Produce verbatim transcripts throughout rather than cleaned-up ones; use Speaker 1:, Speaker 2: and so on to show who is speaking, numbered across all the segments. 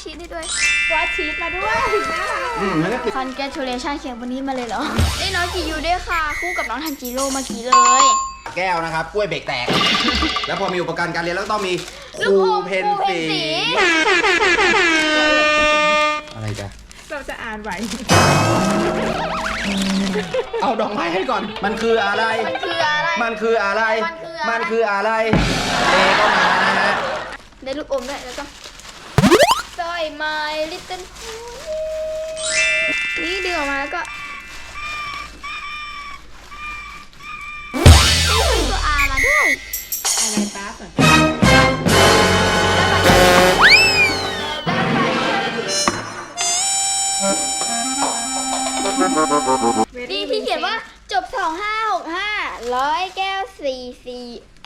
Speaker 1: ชีสให้ด้วย
Speaker 2: วาดชีสมาด้วยน่ารัก
Speaker 1: คอนแกรชูเลชั่นเขียนวันนี้มาเลยเหรอได้น้องจิยูด้วยค่ะคู่กับน้องทันจิโร่เมื่อกี้เลย
Speaker 3: แก้วนะครับกล้วยเบรกแตกแล้วพอมีอุปกรณ์การเรียนแล้วต้องมีครูเพนสีอะไรจ๊ะ
Speaker 2: เราจะอ่านไหว
Speaker 3: เอาดอกไม้ให้ก่อนมันคืออะไร
Speaker 1: มันคืออะไร
Speaker 3: มันคืออะไรมันคืออะไรเลก็มานะฮะ
Speaker 1: ได้ลูกอมด้วยแล้วก็สร้อยไม้ลิตเติ้ลนี่ดึงออกมาแล้วก็นี่คือตัวอามาด้วย
Speaker 2: อะไรป้าสน
Speaker 1: ดีที่เขียนว่าจบสองห้าหกห้าร้อยแก้วสี่สี่เอ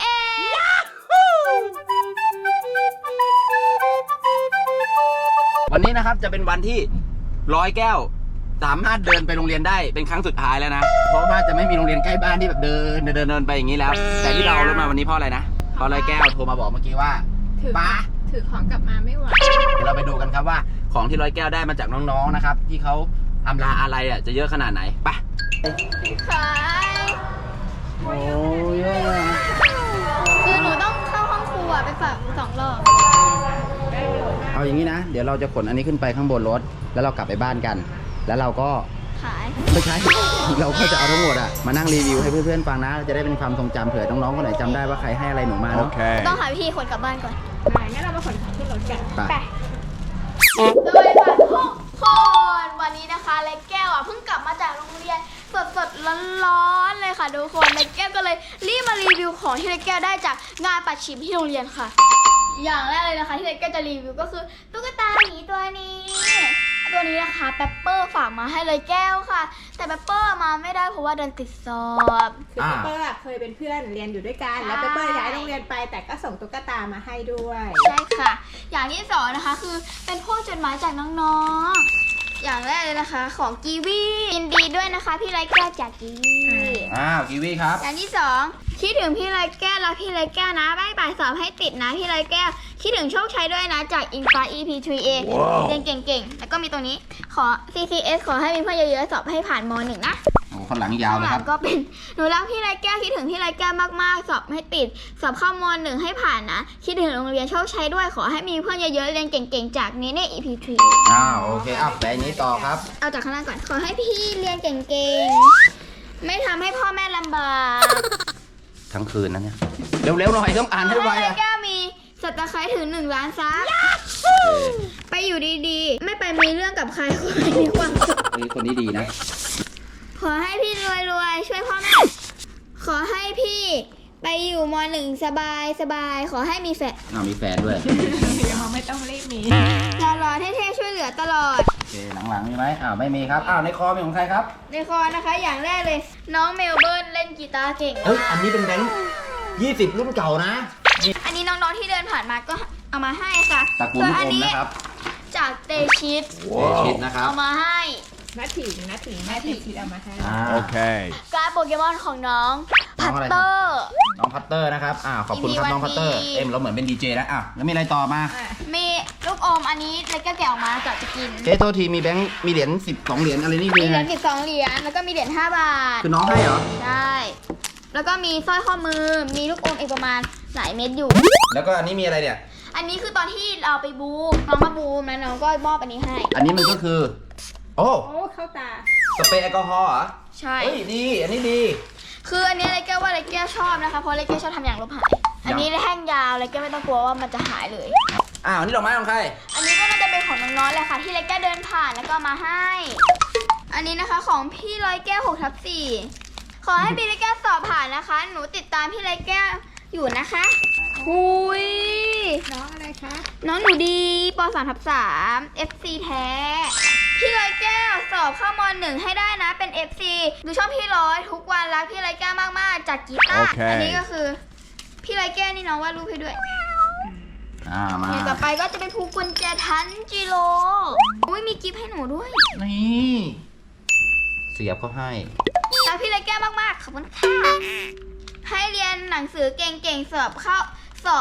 Speaker 3: วันนี้นะครับจะเป็นวันที่ร้อยแก้วสามารถเดินไปโรงเรียนได้เป็นครั้งสุดท้ายแล้วนะเพราะว่าจะไม่มีโรงเรียนใกล้บ้านที่แบบเดินเดินเดินไปอย่างนี้แล้วแต่ที่เรารถมาวันนี้เพราะอะไรนะเพราะร้อยแก้วโทรมาบอกเมื่อกี้ว่าป้า
Speaker 2: ถือของกลับมาไม่ไหว
Speaker 3: เดี๋ยวเราไปดูกันครับว่าของที่ร้อยแก้วได้มาจากน้องๆนะครับที่เขาอำลาอะไรอ่ะจะเยอะขนาดไหนไป
Speaker 1: ขาย
Speaker 3: โอ้ย
Speaker 1: คือหนูต้องเข้าห้องครัวไปฝากสองรอบ
Speaker 3: เอาอย่างนี้นะเดี๋ยวเราจะขนอันนี้ขึ้นไปข้างบนรถแล้วเรากลับไปบ้านกันแล้วเราก็
Speaker 1: ขาย
Speaker 3: ไม่ใช่เราก็จะเอาทั้งหมดอ่ะมานั่งรีวิวให้เพื่อนๆฟังนะจะได้เป็นความทรงจำเผื่อน้องๆคนไหนจำได้ว่าใครให้อะไรหนูมาเนาะ
Speaker 1: ต้องหาวิธีขนกลับบ้านก่อน
Speaker 2: ไปงั้นเรามาขนของขึ้นรถกัน
Speaker 1: ไปโดยค่ะทุกคนวันนี้นะคะเล็กแก้วอ่ะเพิ่งกลับมาจากโรงเรียนสดๆร้อนๆเลยค่ะทุกคนเล็กแก้วก็เลยรีบมารีวิวของที่เล็กแก้วได้จากงานปัดฉิมที่โรงเรียนค่ะอย่างแรกเลยนะคะที่เล็กแก้วจะรีวิวก็คือตุ๊กตาหมีตัวนี้ตัวนี้นะคะเปปเปอร์ฝากมาให้เลยแก้วค่ะแต่เปปเปอร์มาไม่ได้เพราะว่าเดินติดสอบ
Speaker 2: คือเปปเปอร์เคยเป็นเพื่อนเรียนอยู่ด้วยกันแล้วเปปเปอร์ย้ายโรงเรียนไปแต่ก็ส่งตุ๊กตามาให้ด้วย
Speaker 1: ใช่ค่ะอย่างที่สองนะคะคือเป็นพวกจดหมายจากน้องๆอย่างแรกเลยนะคะของกีวียินดีด้วยนะคะพี่ไรแก้วจากกีวี
Speaker 3: อ้าวกีวีครับ
Speaker 1: อย่างที่สองคิดถึงพี่ไรแก้วแล้วพี่ไรแก้วนะบ่ายบ่ายสอบให้ติดนะพี่ไรแก้วคิดถึงโชคชัยด้วยนะจากอินฟ้า อี พี ทรี เอ เรียนเก่งๆแล้วก็มีตรงนี้ขอ ซี ซี เอส ขอให้มีเพื่อนเยอะๆสอบให้ผ่านม หนึ่งนะ
Speaker 3: โอ้คนหลังยาวเลยครับ
Speaker 1: ก็เป็นหนูรักพี่ไรแก้วคิดถึงพี่ไรแก้วมากๆสอบให้ติดสอบเข้าม หนึ่งให้ผ่านนะคิดถึงโรงเรียนโชคชัยด้วยขอให้มีเพื่อนเยอะๆเรียนเก่งๆจากนี้เนี่ย อี พี ทรี
Speaker 3: อ้าวโอเคอ่ะแบบนี้ต่อครับ
Speaker 1: เอาจากข้างล่างก่อนขอให้พี่เรียนเก่งๆไม่ทำให้พ่อแม่ลำบาก
Speaker 3: ทั้งคืนนะเนี่ยเร็วๆหน่อยต้องอ่านให้ไวอ่ะ
Speaker 1: แก้วมีสัตว์ตะไคร้ถึงหนึ่งล้านซับไปอยู่ดีๆไม่ไปมีเรื่องกับใครขอให้มีความสุข
Speaker 3: คนนี้ดีนะ
Speaker 1: ขอให้พี่รวยๆช่วยพ่อแม่ขอให้พี่ไปอยู่ม หนึ่งสบายสบายขอให้มีแฟน
Speaker 3: อ้าวมีแฟนด้วย
Speaker 2: ยังไม่ต้องรีบมี
Speaker 1: หล่อๆเท่ๆช่วยเหลือตลอด
Speaker 3: โอเคหลังๆมีไหมอ้าวไม่มีครับอ้าวในคอมีของใครครับ
Speaker 1: ในคอนะคะอย่างแรกเลยน้องเมลเบิร์นเล่นกีตาร์เก่ง
Speaker 3: เฮ้ยอันนี้เป็นแบงค์ยี่สิบรุ่นเก่านะ
Speaker 1: อันนี้น้องๆที่เดินผ่านมาก็เอามาให้ค่ะ
Speaker 3: ตระกูลลูกอมนะครับ
Speaker 1: จากเตชิต
Speaker 3: เตชิตนะครับ
Speaker 1: เอามาให้
Speaker 2: นัดถิงนัดถิงนัดถิงที่เอามาให้
Speaker 3: โอเค
Speaker 1: การ์ดโปเกมอนของน้องพัตเตอร์
Speaker 3: น้องพัตเตอร์นะครับอ่าขอบคุณครับน้องพัตเตอร์เอ็มเราเหมือนเป็นดีเจแล้วอ่ะแล้วมีอะไรต่อมา
Speaker 1: มีลูกอมอันนี้เล็กแกะออกมาจะจะกิน
Speaker 3: เจ๊โทษทีมีแบงค์มีเหรียญสิบสองเหรียญอะไรนี่
Speaker 1: มีเหรียญสิบสองเหรียญแล้วก็มีเหรียญห้าบาท
Speaker 3: คือน้องให้เหรอ
Speaker 1: ใช่แล้วก็มีสร้อยข้อมือมีลูกอมอีกประมาณหลายเม็ดอยู่
Speaker 3: แล้วก็อันนี้มีอะไรเนี่ย
Speaker 1: อันนี้คือตอนที่เราไปบูมน้องมาบูมแล้วน้องก็มอบอันนี้ให้
Speaker 3: อันนี้มันก็คือโอ้
Speaker 2: โอ้เข้าตา
Speaker 3: สเปรย์แอลกอฮอล์เหรอ
Speaker 1: ใช่
Speaker 3: เฮ้ยดีอันนี้ดี
Speaker 1: คืออันนี้เล็กแก้วว่าเล็กแก้วชอบนะคะเพราะเล็กแก้วชอบทำอย่างลบหายอันนี้แห้งยาวเล็กแก้วไม่ต้องกลัวว่ามันจะหายเลย
Speaker 3: อ้าวนี่ดอกไม้ของใคร
Speaker 1: อันนี้ก็น่าจะเป็นของน้องๆแหละค่ะที่เล็กแก้วเดินผ่านแล้วก็มาให้อันนี้นะคะของพี่ร้อยแก้วหกทับสี่ขอให้พี่เล็กแก้วสอบผ่านนะคะหนูติดตามพี่เล็กแก้วอยู่นะคะหุย
Speaker 2: น้องอะไรคะ
Speaker 1: น้องหนูดีปสามทับสาม เอฟ ซี แท้พี่ร้อยแก้วสอบเข้าม หนึ่งให้ได้นะเป็น เอฟ ซี ดูช่องพี่ร้อยทุกวันรักพี่ร้อยแก้วมากๆจากกีตาร์อันนี้ก็คือพี่ร้อยแก้วนี่น้องวาดรูปให้ด้วย
Speaker 3: อ่ามา
Speaker 1: ต่อไปก็จะเป็นภูกุญแจทันจิโร่อุ้ยมีกิฟต์ให้หนูด้วย
Speaker 3: นี่เสียบเขาให้
Speaker 1: รักพี่ร้อยแก้วมากๆขอบคุณค่ะให้เรียนหนังสือเก่งๆสอบเข้าสอบ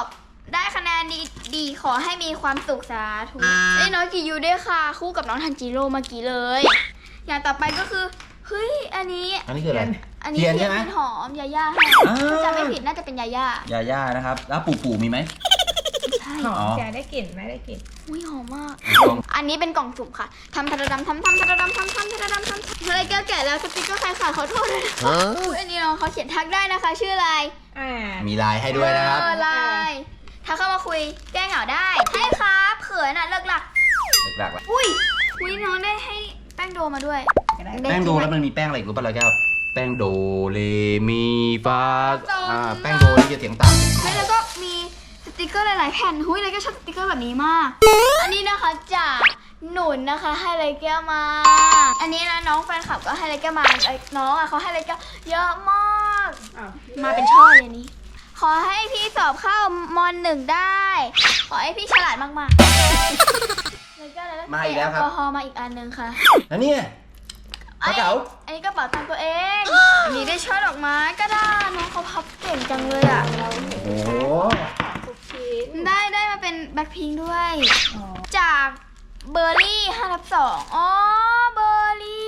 Speaker 1: ได้คะแนนดีดีขอให้มีความสุขสาธุได้น้อยกี่ยูด้วยค่ะ คู่กับน้องทันจิโร่เมื่อกี้เลย อย่างต่อไปก็คือเฮ้ยอันนี้
Speaker 3: อันนี้คืออะไร
Speaker 1: อันนี้
Speaker 3: เทียน
Speaker 1: เที
Speaker 3: ใช่
Speaker 1: ยน
Speaker 3: ไหม
Speaker 1: เป็นหอมยาย่าให้
Speaker 3: อ่า
Speaker 1: ถ้าจำไม่ผิดน่าจะเป็นยาย่าย
Speaker 3: าย่านะครับ แล้วปู่ปู่มีไหม
Speaker 1: ใช่
Speaker 2: หอม
Speaker 3: อ๋อ
Speaker 2: จะได้กลิ่นไหม่ได้กลิ่น
Speaker 1: อุ้ยหอมมาก
Speaker 3: ลอง
Speaker 1: อันนี้เป็นกล่องสุ่มค่ะทำทะระดำทำทำทะระดำทำทำทะระดำทำทำอะไรแก้วแกะแล้วสติ๊กเกอร์ใครขาดขอโทษด้วยนะอุ๊ยอันนี้น้องเขาเขียนทักได้นะคะ ชื่ออะไร
Speaker 2: อ่า
Speaker 3: มีลายให้ด้วยนะครับ
Speaker 1: เออไลน์ถ้าเข้ามาคุยแก้เหงาได้ให้ครับเขินอ่ะเลิกหลัก
Speaker 3: หลักๆแหละ
Speaker 1: อุ้ยอุ้ยน้องได้ให้แป้งโดมาด้วย
Speaker 3: แป้งโดแล้วมันมีแป้งอะไรอีกรู้ป่ะเราแก้วแป้งโดเลมีฟาอ่าแป้งโดนี่จะเสียงต่ำ
Speaker 1: แล้วก็มีสติกเกอร์หลายๆแผ่นหุ้ยเลยก็ชอบสติกเกอร์แบบนี้มาก อันนี้นะคะจากหนุนนะคะให้ไรแก้วมา อันนี้นะน้องแฟนคลับก็ให้ไรแก้วมาไอ้น้องอ่ะเขาให้ไรแก้วเยอะมาก
Speaker 2: อ้าว
Speaker 1: มาเป็นช่อเลยนี้ ขอให้พี่สอบเข้ามอนหนึ่งได้ ขอให้พี่ฉลาดมากๆแล้วก็แล้ว
Speaker 3: มาอีกแล้วครับ
Speaker 1: แอลกอฮอล์มาอีกอันหนึ่งค่ะ
Speaker 3: แล้วเนี่ยกระเป๋า
Speaker 1: อันนี้กระเป๋าตังค์ตัวเอง อันนี้ได้ช่อดอกไม้ก็ได้น้องเขาพับเก่งจังเลยอ่ะ
Speaker 3: โอ้โห
Speaker 2: ทุกชิ้น
Speaker 1: ได้ได้มาเป็นแบ็คพิงค์ด้วย
Speaker 2: อ๋อ
Speaker 1: จากเบอร์รี่ห้าทับสองอ๋อเบอร์รี่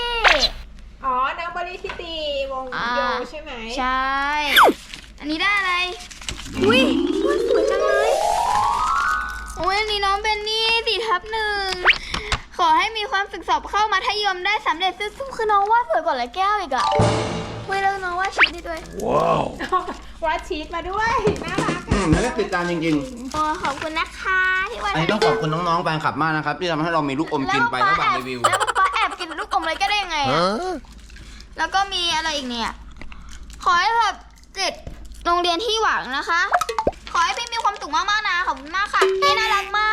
Speaker 2: อ๋อน้องบริที่ตีวง
Speaker 1: อ่า
Speaker 2: โยใช่ไหม
Speaker 1: ใช่ อันนี้ได้อะไร อุ้ยสวยจังเลยโอ้ยอันนี้น้องเป็นนี่สี่ทับหนึ่งขอให้มีความศึกสอบเข้ามัธยมได้สำเร็จซึ่งคือน้องวาดสวยกว่าเลยแก้วอีกอะเว้ยแล้วน้องวาดชีสได้ด้วย
Speaker 2: วาดชีสมาด้วย น่ารัก
Speaker 3: อื
Speaker 2: อ่ะ
Speaker 3: มแล้วก็ติดตามจริง
Speaker 1: โอ้ขอบคุณนะคะที่วาด
Speaker 3: ๆ อันนี้ต้องขอบคุณน้องๆแฟนคลับมากนะครับ ที่ทำให้เรามีลูกอมกินไประหว่างรีวิว
Speaker 1: แล้วป๊าแอบกินลูกอมเลยก็ได้ยังไงอะแล้วก็มีอะไรอีกเนี่ย ขอให้แบบติดโรงเรียนที่หวังนะคะ ขอให้พี่มีความสุขมากๆนะ ขอบคุณมากค่ะ พี่น่ารักมาก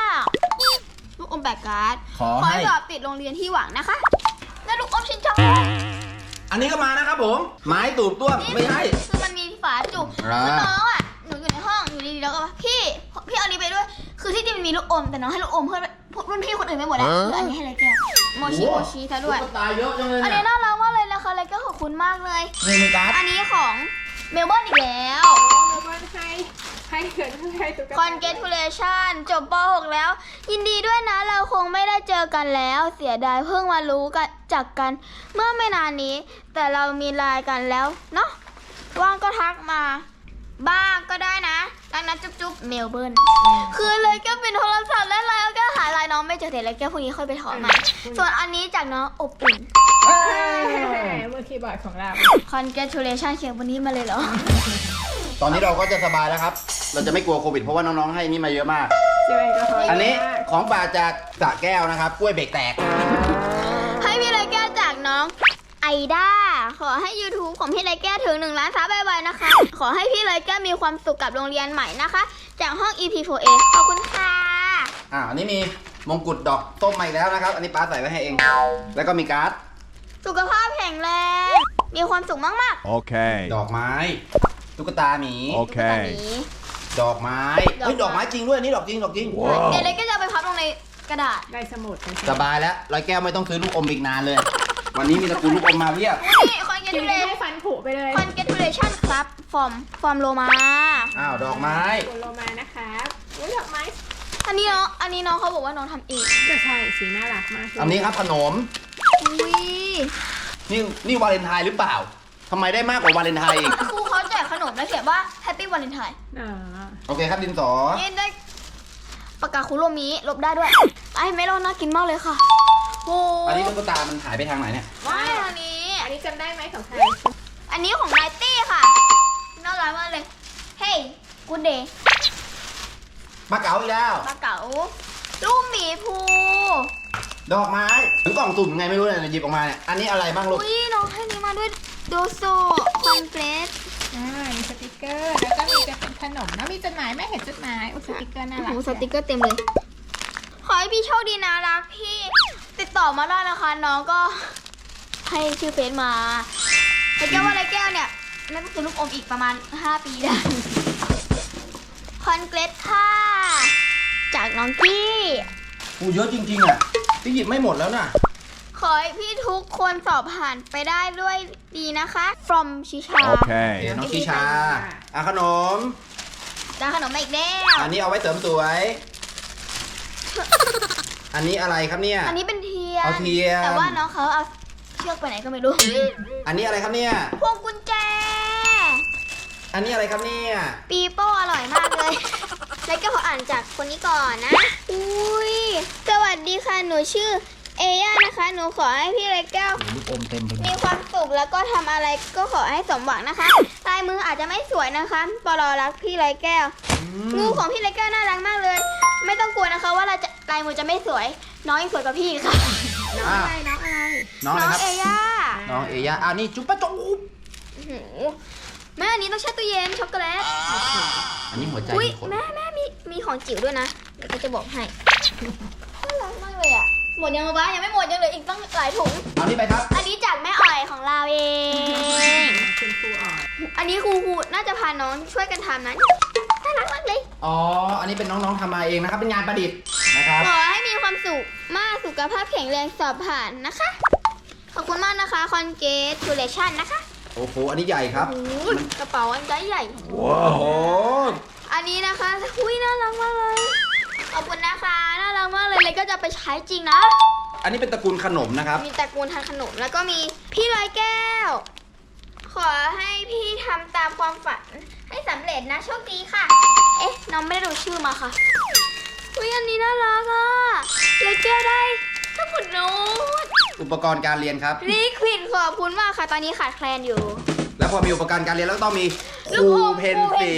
Speaker 1: ลูกอมแบกการ์ด
Speaker 3: ขอ
Speaker 1: ขอ
Speaker 3: ให้
Speaker 1: ให้สอบติดโรงเรียนที่หวังนะคะ และลูกอมชินจัง
Speaker 3: อันนี้ก็มานะครับผม ไม้ตูบต้วมไม่ใช่
Speaker 1: คือมันมีฝาจุก
Speaker 3: อ่า
Speaker 1: คือน้องอ่ะ หนูอยู่ในห้องอยู่ดีๆแล้วก็ว่าพี่ พี่เอานี้ไปด้วย คือที่จริงมันมีลูกอม แต่น้องให้ลูกอมเพื่อนรุ่นพี่คนอื่นไปหมดแล้วเหลืออันนี้ให้เลยแกโมชิโมชิซะด้วย
Speaker 3: ตุ๊กตาเยอะจังเลย
Speaker 1: อัน
Speaker 3: เนี่
Speaker 1: นี้
Speaker 3: ย
Speaker 1: น่ารักมากเลยนะคะเลยก็ขอบคุณมากเลย
Speaker 3: นี่มีการ์ด
Speaker 1: อันนี้ของเมลเบิร์นอีกแล้ว
Speaker 2: แล้วก็ให้ให้เกิดให้ตุ๊กตา
Speaker 1: Congratulation จบป หก แล้ว ยินดีด้วยนะเราคงไม่ได้เจอกันแล้ว เสียดายเพิ่งมารู้กันจากกัน เมื่อไม่นานนี้ แต่เรามีไลน์กันแล้วเนาะว่างก็ทักมา บ้างก็ได้นะดังนั้นจุ๊บจุ๊บเมลเบิร์นคือเลยก็เป็นโทรศัพท์และไลน์แล้วก็หาไลน์น้องไม่เจอแต่เลยแก้พวกนี้ค่อยไปถอนใหม่ ส่วนอันนี้จากน้องอบอุ่น
Speaker 3: เอ้ย
Speaker 2: มือคีย์บอร์ดของเรา
Speaker 1: Congratulation เขียนวันนี้มาเลยเหรอ
Speaker 3: ตอนนี้เราก็จะสบายแล้วครับ เราจะไม่กลัวโควิดเพราะว่าน้องๆให้นี่มาเยอะมาก
Speaker 2: เจลแอลกอฮอล์
Speaker 3: อันนี้
Speaker 2: เยะมาก
Speaker 3: ของป่าจากสระแก้วนะครับ กล้วยเบรกแตก
Speaker 1: ให้พี่ไรแก้วจากน้องไอด้าขอให้ YouTube ของพี่ไรแก้วถึงหนึ่งล้านซับบ่อยๆนะคะ ขอให้พี่ไรแก้วมีความสุขกับโรงเรียนใหม่นะคะ จากห้อง อี พี โฟร์ เอ ขอบคุณค่ะ
Speaker 3: อ่าอันนี้มีมงกุฎดอกต้มมาอีกแล้วนะครับ อันนี้ป้าใส่ไว้ให้เอง แล้วก็มีการ์ด
Speaker 1: สุขภาพแข็งแรง มีความสุขมาก
Speaker 4: Okay.
Speaker 3: ดอกไม้ ตุ๊กตาหมี
Speaker 1: ๆ
Speaker 4: Okay.
Speaker 1: ตุ๊กตาหมี
Speaker 3: ดอกไม้เฮ้ย
Speaker 1: ด
Speaker 3: ด
Speaker 1: อ
Speaker 3: อก ก
Speaker 1: ไม้
Speaker 3: ไม้จริงด้วยอันนี่ดอกจริง ดอกจริง
Speaker 4: Wow
Speaker 1: เดี๋ยวเลยก็จะเอาไปพับลงในกระดาษ
Speaker 2: ได้สมุดนะ
Speaker 3: สบายแล้วร้อยแก้วไม่ต้องซื้อลูกอมอีกนานเลย วันนี้มีตระกูลลูกอมมาเพียบ
Speaker 1: นี่
Speaker 2: คิวได้
Speaker 1: Congratulation
Speaker 2: ให้ฟันผุไปเลย
Speaker 1: Congratulation ครับฟอร์มฟอร์มโลมา
Speaker 3: อ้าว ดอกไม้
Speaker 2: คุณโลมานะคะอุ้ยดอกไม้
Speaker 1: อันนี้น้องอันนี้น้องเขาบอกว่าน้องทำเอง
Speaker 2: ก็ใช่สีน่ารักมากเลย
Speaker 3: อันนี้ครับขนม
Speaker 1: อุ้ย
Speaker 3: นี่นี่วาเลนไทน์หรือเปล่าทำไมได้มากกว่าวาเลนไทน์อีก
Speaker 1: ครูเขาแจกขนมแล้วเขียนว่า Happy Valentine
Speaker 2: อ๋อ
Speaker 3: โอเคครับดินสอ
Speaker 1: นี่ได้ปากกาคุโรมิลบได้ด้วยไอ้เมลอนน่ากินมากเลยค่ะโอ้
Speaker 3: อันนี้ตุ๊กตามันหายไปทางไหนเนี่ย
Speaker 1: ไม่อันนี้
Speaker 2: อันนี้จำได้ไหมของใคร
Speaker 1: อันนี้ของไนตี้ค่ะน่ารักมากเลย เฮ้ยกูเดย์
Speaker 3: ปลาเก๋าอีกแล้ว
Speaker 1: ปลาเก๋าลูกหมีภู
Speaker 3: ดอกไม้ถึงกล่องสุ่มไงไม่รู้เนี่ยหยิบออกมาเนี่ย อันนี้อะไรบ้างลูก
Speaker 1: อุ้ยน้องให้นี้มาด้วยโดโซคอนเกรส
Speaker 2: อ่ามีสติกเกอร์ แล้วก็มีจะเป็นขนมแล้วมีจดหมายแม่เห็นจดหมายอุ้ยสติกเกอร์น่ารัก
Speaker 1: โอ้สติกเกอร์เต็มเลย ขอให้พี่โชคดีนะรักพี่ติดต่อมาได้นะคะ น้องก็ให้ชื่อเฟซมาไอ้แก้วว่าอะไรแก้วเนี่ยน่าจะเป็นลูกอมอีกประมาณห้าปีได้คอนเกรสค่ะ จากน้องกี้
Speaker 3: กูเยอะจริงๆอ่ะพี่หยิบไม่หมดแล้วน่ะ
Speaker 1: ขอให้พี่ทุกคนสอบผ่านไปได้ด้วยดีนะคะ from ชิชา
Speaker 3: โอเค
Speaker 4: Okay.
Speaker 3: น้องชิชาอ่ะขนม
Speaker 1: ได้ขนมมาอีกแล้ว
Speaker 3: อันนี้เอาไว้เสริมสวย อันนี้อะไรครับเนี่ย
Speaker 1: อันนี้เป็นเทียน
Speaker 3: เอาเทียน
Speaker 1: แต่ว่าน้องเขาเอาเชือกไปไหนก็ไม่รู้
Speaker 3: อันนี้อะไรครับเนี่ย
Speaker 1: พวงกุญแจ
Speaker 3: อันนี้อะไรครับเนี่ย
Speaker 1: ปีโป้อร่อยมากเลย แล้วก็ขออ่านจากคนนี้ก่อนนะ อุ้ย สวัสดีค่ะ หนูชื่อเอย่านะคะ หนูขอให้พี่ไรแก้ว
Speaker 3: ลูกอมเต็มไปหมด
Speaker 1: มีความสุขแล้วก็ทำอะไรก็ขอให้สมหวังนะคะ ลายมืออาจจะไม่สวยนะคะปลอรักพี่ไรแก้ว งูของพี่ไรแก้วน่ารักมากเลย ไม่ต้องกลัวนะคะว่าเราจะลายมือจะไม่สวย น้องยังสวยกว่าพี่ค่ะ
Speaker 2: น้องอะไรน้องอะไร
Speaker 3: น้องอะไรครับ
Speaker 1: เอย่า
Speaker 3: น้องเอย่าอันนี้จุ๊บปะจุ๊บ
Speaker 1: อื้อหือแม่อันนี้ต้องแช่ตู้เย็นช็อกโกแลต
Speaker 3: อันนี้หัวใจ
Speaker 1: อุ้ย
Speaker 3: มีขน
Speaker 1: แม่แม่มีมีของจิ๋วด้วยนะเดี๋ยวก็จะบอกให้น่ารักมากเลยอ่ะหมดยังบ้ายังไม่หมดยังเหลืออีกตั้งหลายถุง
Speaker 3: เอานี่ไปครับ
Speaker 1: อันนี้จากแม่อ่อยของเราเอง
Speaker 2: คุณครูอ่อน
Speaker 1: อันนี้ครูครูน่าจะพาน้องช่วยกันทำนะน่ารักมากเลย
Speaker 3: อ๋อ อันนี้เป็นน้องๆทำมาเองนะครับ เป็นงานประดิษฐ์นะครับ
Speaker 1: ขอให้มีความสุขมากสุขภาพแข็งแรงสอบผ่านนะคะ ขอบคุณมากนะคะ congratulation นะคะ
Speaker 3: โอ้โห อันนี้ใหญ่ครับ
Speaker 1: โอ้โหกระเป๋าอันใหญ่ใหญ่
Speaker 3: ว้าว
Speaker 1: อันนี้นะคะอุ้ยน่ารักมากเลย ขอบคุณนะคะน่ารักมากเลยเลยก็จะไปใช้จริงนะ
Speaker 3: อันนี้เป็นตระกูลขนมนะครับ
Speaker 1: มีตระกูลทานขนมแล้วก็มีพี่ร้อยแก้ว ขอให้พี่ทำตามความฝันให้สำเร็จนะโชคดีค่ะ เอ๊ะน้องไม่ได้ดูชื่อมาค่ะอุ้ยอันนี้น่ารักอ่ะร้อยแก้วได้สมุดโน้ต
Speaker 3: อุปกรณ์การเรียนครับ
Speaker 1: ลิควิดขอบคุณมากค่ะ ตอนนี้ขาดแคลนอยู่
Speaker 3: แล้วพอมีอุปกรณ์การเรียนแล้วก็ต้องมีค
Speaker 1: ลู
Speaker 3: รู
Speaker 1: กอม
Speaker 3: เพน
Speaker 1: ครู
Speaker 3: สี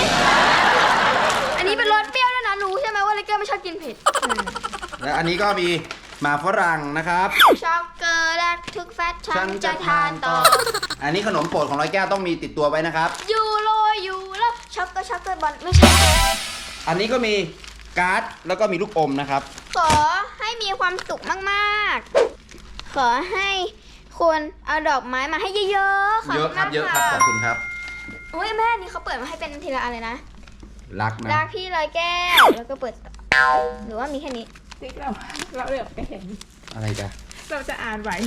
Speaker 1: อันนี้เป็นรสเปรี้ยวด้วยนะรู้ใช่ไหมว่าร้อยแก้วไม่ชอบกินเผ็ด
Speaker 3: และอันนี้ก็มีหมาฝรั่งนะครับ
Speaker 1: ช็อกโกแลตทุกแฟตฉันจะทานต่อ
Speaker 3: อันนี้ขนมโปรดของร้อยแก้วต้องมีติดตัวไว้นะครับ
Speaker 1: ยูโรยูโรช็อกโกช็อกโกบอลไม่ใช่
Speaker 3: อันนี้ก็มีการ์ดแล้วก็มีลูกอมนะครับ
Speaker 1: ขอให้มีความสุขมากๆ ขอให้คุณเอาดอกไม้มาให้เยอะๆ ขอบ
Speaker 3: เย
Speaker 1: คุ
Speaker 3: อะ
Speaker 1: ณ
Speaker 3: ครั
Speaker 1: มา
Speaker 3: บ
Speaker 1: ก
Speaker 3: เยอะครับ
Speaker 1: ค่ะ
Speaker 3: ขอบคุณครับ
Speaker 1: โอ้ยแม่นี่เขาเปิดมาให้เป็นทีละอะไรนะ
Speaker 3: รักนะ
Speaker 1: รักพี่ร้อยแก้ว แล้วก็เปิด หรือว่ามีแค่นี้
Speaker 2: ติ๊กเราเราเหลือบไปเห็น
Speaker 3: อะไรกัน
Speaker 2: เราจะอ่านไหว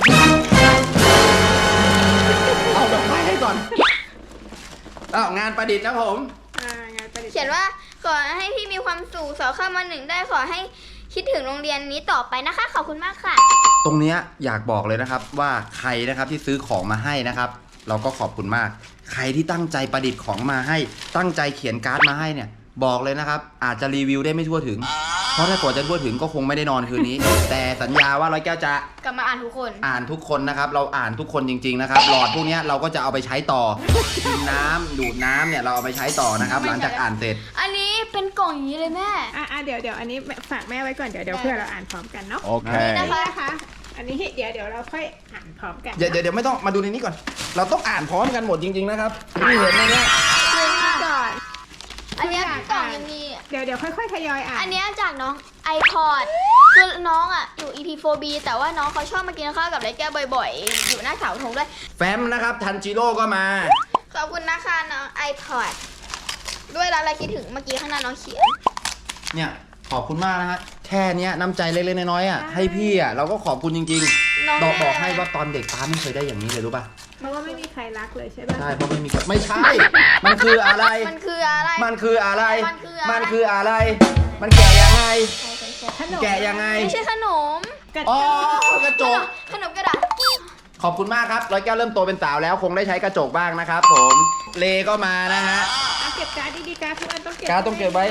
Speaker 3: เอาดอกไม้ให้ก่อนอ้าวงานประดิษฐ์นะผม
Speaker 2: อ่างานประดิษฐ์
Speaker 1: เขียนว่าขอให้พี่มีความสุขสอบเข้ามาหนึ่งได้ขอให้คิดถึงโรงเรียนนี้ต่อไปนะคะ ขอบคุณมากค่ะ
Speaker 3: ตรงเนี้ยอยากบอกเลยนะครับว่าใครนะครับที่ซื้อของมาให้นะครับ เราก็ขอบคุณมาก ใครที่ตั้งใจประดิษฐ์ของมาให้ ตั้งใจเขียนการ์ดมาให้เนี่ย บอกเลยนะครับ อาจจะรีวิวได้ไม่ทั่วถึง เพราะถ้ากว่าจะทั่วถึงก็คงไม่ได้นอนคืนนี้ แต่สัญญาว่าร้อยแก้วจะ
Speaker 1: กลับมาอ่านทุกคน
Speaker 3: อ่านทุกคนนะครับ เราอ่านทุกคนจริงๆนะครับ หลอดพวกเนี้ยเราก็จะเอาไปใช้ต่อกินน้ำดูดน้ำเนี่ยเราเอาไปใช้ต่อนะครับ หลังจากอ่านเสร็จ
Speaker 1: อันนี้เป็นกล่องอย่างนี้เลยแม่
Speaker 2: อ่ะอ่ะเดี๋ยวเดี๋ยวอันนี้ฝากแม่ไว้ก่อนเดี๋ยวเดี๋ยวเพื่อเราอ่านพร้อมกันเนาะ
Speaker 3: Okay
Speaker 2: อันนี้นะคะ อันนี้เดี๋ยวเดี๋ยวเราค่อยอ่านพร้อมกัน
Speaker 3: เดี๋ยวเดี๋ยวเดี๋ยวไม่ต้องมาดูในนี้ก่อน เราต้องอ่านพร้อมกันหมดจริงๆนะครับนี่เห็นไหมเนี่ย
Speaker 2: ก่อน
Speaker 1: อันเนี้ยเป็นกล่องยังมี
Speaker 2: เดี๋ยวเดี๋ยวค่อยๆทยอยอ่าน
Speaker 1: อันเนี้ยจากน้อง iPod คือน้องอ่ะอยู่ อี พี โฟร์ บี แต่ว่าน้องเขาชอบมากินข้าวกับไรแก้วบ่อยๆ อยู่หน้าเสาธงด้วย
Speaker 3: แฟ้มนะครับทันจิโร่ก็มา
Speaker 1: ขอบคุณนะคะน้อง iPod ด้วยแล้วอะไรคิดถึงเมื่อกี้ข้างหน้าน้องเขียน
Speaker 3: เนี่ยขอบคุณมากนะฮะแค่เนี้ยน้ำใจเล็กๆน้อยๆอ่ะให้พี่อ่ะเราก็ขอบคุณจริง
Speaker 1: น้อง
Speaker 3: ๆบอกบอก
Speaker 1: ได้
Speaker 3: ให้
Speaker 1: อะไร
Speaker 3: ว่าตอนเด็กป้าไม่เคยได้อย่างนี้เลยรู้ป่ะ
Speaker 2: เพราะว่าไม่มีใครรักเลยใช่ป่ะ
Speaker 3: ใช่เพราะไม่มีคนไม่ใช่ มันคืออะไร
Speaker 1: มันคืออะไร
Speaker 3: มันคืออะไร
Speaker 1: มันคืออะไร
Speaker 3: มันคืออะไร มันแกะยังไง
Speaker 2: ขนม
Speaker 3: แกะยังไง
Speaker 1: ไม่ใช่ขนม
Speaker 2: กระ
Speaker 3: อ๋อ
Speaker 2: จก
Speaker 3: กระจก
Speaker 1: ขนมกระดาษ
Speaker 3: ขอบคุณมากครับร้อยแก้วเริ่มโตเป็นสาวแล้วคงได้ใช้กระจกบ้างนะครับ ผม เลก็มานะฮะ
Speaker 2: เอาเก็บการ์ดดีๆการ์ดทุกอันต้องเก็บ
Speaker 3: การ์ดต้องเก็บไว้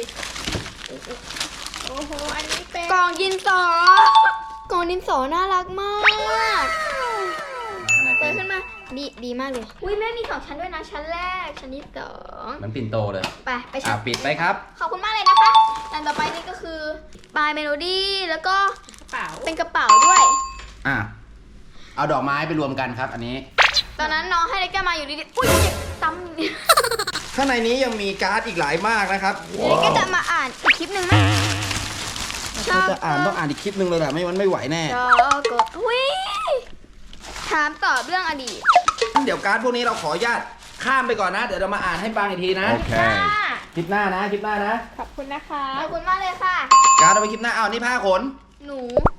Speaker 2: โอ้โหอันนี้เป็น
Speaker 1: กล่องดินสอกล่องดินสอน่ารักมากเปิดขึ้นมาดีดีมากเลยอุ้ยแม่มีสองชั้นด้วยนะชั้นแรกชั้นที่สอง
Speaker 3: มันปิ่นโตเลย
Speaker 1: ไปไป
Speaker 3: อ่ะ
Speaker 1: ชั้น
Speaker 3: ปิดไปครับ
Speaker 1: ขอบคุณมากเลยนะคะอันต่อไปนี่ก็คือปลายเมโลดี้แล้วก็
Speaker 2: กระเป๋า
Speaker 1: เป็นกระเป๋าด้วย
Speaker 3: อ่ะเอาดอกไม้ไปรวมกันครับ อันนี้
Speaker 1: ตอนนั้นน้องให้เล็กแก้วมาอยู่ดีๆอุ้ยเจ็บตั้ม
Speaker 3: ข้างในนี้ยังมีการ์ดอีกหลายมากนะครับ
Speaker 1: เล็กก็จะมาอ่านอีกคลิปหนึ่งไหม
Speaker 3: ถ้าจะอ่านต้องอ่านอีกคลิปหนึ่งเลยแหละไม่งั้นไม่ไหวแน่
Speaker 1: ชอบก็อุ้ยถามตอบเรื่องอดีต
Speaker 3: เดี๋ยวการ์ดพวกนี้เราขออนุญาตข้ามไปก่อนนะ เดี๋ยวเรามาอ่านให้ฟังอีกทีนะ
Speaker 1: ค่ะ
Speaker 3: คลิปหน้านะคลิปหน้านะ
Speaker 2: ขอบคุณนะคะ
Speaker 1: ขอบคุณมากเลยค่ะ
Speaker 3: การ์ดเอาไปคลิปหน้าเอานี่ผ้าขน
Speaker 1: หนู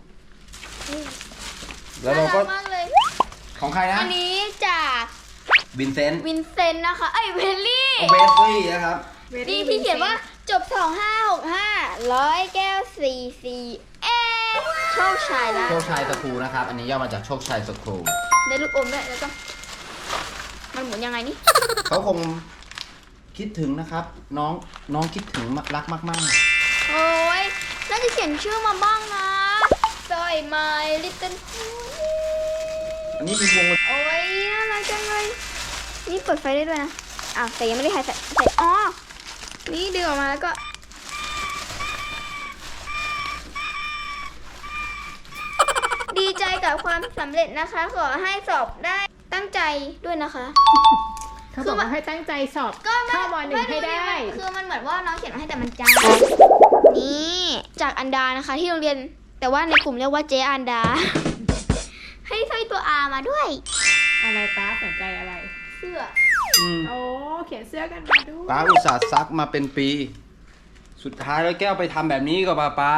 Speaker 3: แล้วเราก็
Speaker 1: น่รัมากเลย
Speaker 3: ของใครนะ
Speaker 1: อันนี้จาก
Speaker 3: วินเซนต์
Speaker 1: วินเซนต์นะคะ เอ้ยเวลลี่
Speaker 3: เวสลี่นะครับ
Speaker 2: Very
Speaker 1: นี่ที่เขียนว่า
Speaker 2: Vincent
Speaker 1: จบ สองห้าหกห้า ร้อยแก้ว สี่สี่ เอโชคชัยละ
Speaker 3: โชคชัยสคูนะครับ อันนี้ย่อมาจากโชคชัยสคู
Speaker 1: ได้ลูกอมด้วยแล้วก็ มันหมุนยังไงนี่
Speaker 3: เขาคงคิดถึงนะครับ น้องน้องคิดถึงรักมาก
Speaker 1: โอ้ยน่าจะเขียนชื่อมาบ้างนะซอยไมลิตเติ้ล
Speaker 3: ๆ อันนี้เป็นวง
Speaker 1: โอ้ยน่ารักจังเลย นี่เปิดไฟได้ด้วยนะอ้าวแต่ยังไม่ได้ใส่ใส่ใส่อ๋อ นี่ดึงออกมาแล้วก็ ดีใจกับความสำเร็จนะคะ ขอให้สอบได้ตั้งใจด้วยนะคะ
Speaker 2: เขาบอกว่าให้ตั้งใจสอบ
Speaker 1: ก็ไม่
Speaker 2: เข้ามหนึ่งให้ได้
Speaker 1: คือมันเหมือนว่าน้องเขียนมาให้แต่มันจำนี่จากอันดานะคะ ที่โรงเรียนแต่ว่าในกลุ่มเรียกว่าเจอันดา ให้ใส่ตัว R มาด้วย
Speaker 2: อะไรป้าสนใจอะไร
Speaker 1: เสื้อ
Speaker 3: อืม
Speaker 2: โอ้เขียนเสื้อกันมาด้วย
Speaker 3: ป้าอุตส่าห์ซักมาเป็นปี สุดท้ายแล้วแก้วไปทำแบบนี้กับป้าป้า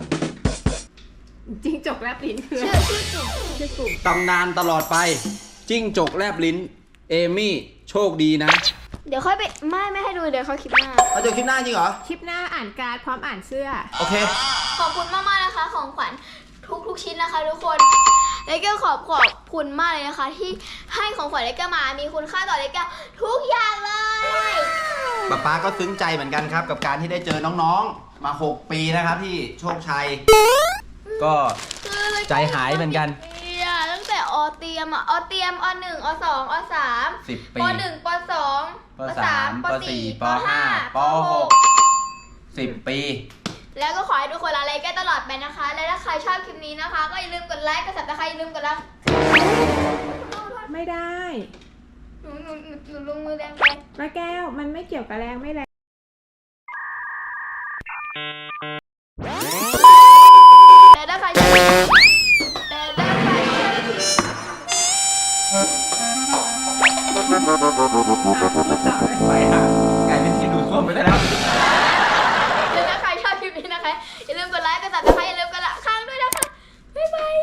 Speaker 2: จริงจกแลบลิ้นคือ
Speaker 1: ชื่อชื่อกลุ่ม
Speaker 2: ชื่อกลุ่ม
Speaker 3: ตำนานตลอดไป จิ้งจกแลบลิ้น เอมี่ โชคดีนะ
Speaker 1: เดี๋ยวค่อยไปไม่ไม่ให้ดูเดี๋ยวเขาคลิปหน้า
Speaker 3: เอาเจอคลิปหน้าจริงเหรอ
Speaker 2: คลิปหน้าอ่านการ์ดพร้อมอ่านเสื้อ
Speaker 3: โอเค
Speaker 1: ขอบคุณมากๆนะคะ ของขวัญทุกทุกชิ้นนะคะทุกคนเลเกอร์ขอบขอบคุณมากเลยนะคะ ที่ให้ของขวัญเลเกอร์มามีคุณค่าต่อเลเกอร์ทุกอย่างเลย
Speaker 3: ป้าป้าก็ซึ้งใจเหมือนกันครับ กับการที่ได้เจอน้องๆ มา หก ปีนะครับที่โชคชัย ก็ ใจหายเหมือนกัน
Speaker 1: เนี่ยตั้งแต่อเตรียมอ่ะอเตรียมอหนึ่งอสองอสาม
Speaker 3: สิบ ปี
Speaker 1: ปหนึ่งปสอง
Speaker 3: ปสามปสี่ปห้าปหก สิบ ปี
Speaker 1: แล้วก็ขอให้ทุกคนรักเลเกอร์ตลอดไปนะคะ และถ้าใครชอบคลิปนี้นะคะ ก็อย่าลืมกดไลค์กดซับสไครต์อย่าลืมกดไลค์
Speaker 2: ไม่ได้
Speaker 1: หนูหนูหนูหนูลงมือแรงไป
Speaker 2: ป้าแก้วมันไม่เกี่ยวกับแรงไม่แรง
Speaker 1: แต่ถ้าใครชอบแต่ถ้าใครชอบ
Speaker 3: ไปฮะกลายเป็นที่ดูดซ่วมไปได้แล้ว
Speaker 1: และถ้าใครชอบคลิปนี้นะคะอย่าลืมกดไลค์กดซับสไครต์อย่าลืมกดละข้างด้วยนะคะบ๊ายบาย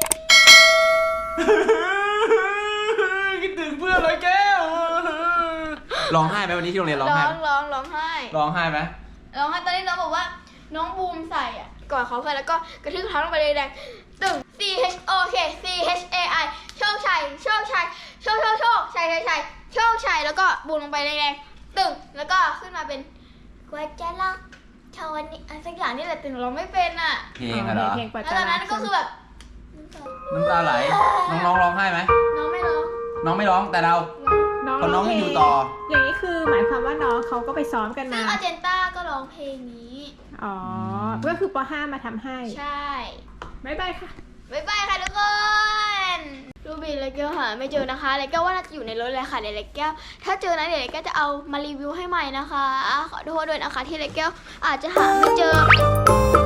Speaker 3: คิดถึงเพื่อนเลยแก้ว ร้องไห้ไหมวันนี้ที่โรงเรียนร้อง
Speaker 1: ร้
Speaker 3: ไห้
Speaker 1: อ
Speaker 3: ไห
Speaker 1: ง
Speaker 3: ม
Speaker 1: ร้องร้องไห้
Speaker 3: ร้องไห้ไหม
Speaker 1: ร้องไห้ตอนนี้น้องบอกว่าน้องบูมใส่อ่ะกอดเขาเพื่อนแล้วก็กระทืบเท้าลงไปแรงๆตึง C H O K C H A I โชคชัยโชคชัยโชคโชคโชคชัยชัยชัยโชคชัยแล้วก็บูมลงไปแรงๆตึงแล้วก็ขึ้นมาเป็นกวาดจะลักชาวนี้อะไรสักอย่างนี่แหละแต่หนูร้องไม่เป็นอ่ะ
Speaker 3: เพลงอะเหรอ
Speaker 2: เพลงปัจ
Speaker 1: แล้ว
Speaker 2: จา
Speaker 1: ตอนนั้นก็คือแบบ
Speaker 3: น้ำตาไหล น้องๆร้องไห้ไหม
Speaker 1: น้องไม่ร้อง
Speaker 3: น้องไม่ร้องแต่เรา
Speaker 2: น้อง
Speaker 3: พอน้องไม่อยู่ต่อ
Speaker 2: อย่างนี้คือหมายความว่าน้องเขาก็ไปซ้อมกัน
Speaker 1: ซึ่
Speaker 2: มา
Speaker 1: งอาเจนต้าก็ร้องเพลงนี้
Speaker 2: อ๋อ ก็คือป .ห้า มาทำให้
Speaker 1: ใช่
Speaker 2: บ๊ายบายค่ะ
Speaker 1: บ๊ายบายค่ะทุกคนรูบินและแก้วหาไม่เจอนะคะเลยแก้วว่าน่าจะอยู่ในรถเลยค่ะเดี๋ยวเลยแก้วถ้าเจอนะเดี๋ยวเลยแก้วจะเอามารีวิวให้ใหม่นะคะ ขอโทษด้วยนะคะที่เลยแก้วอาจจะหาไม่เจอ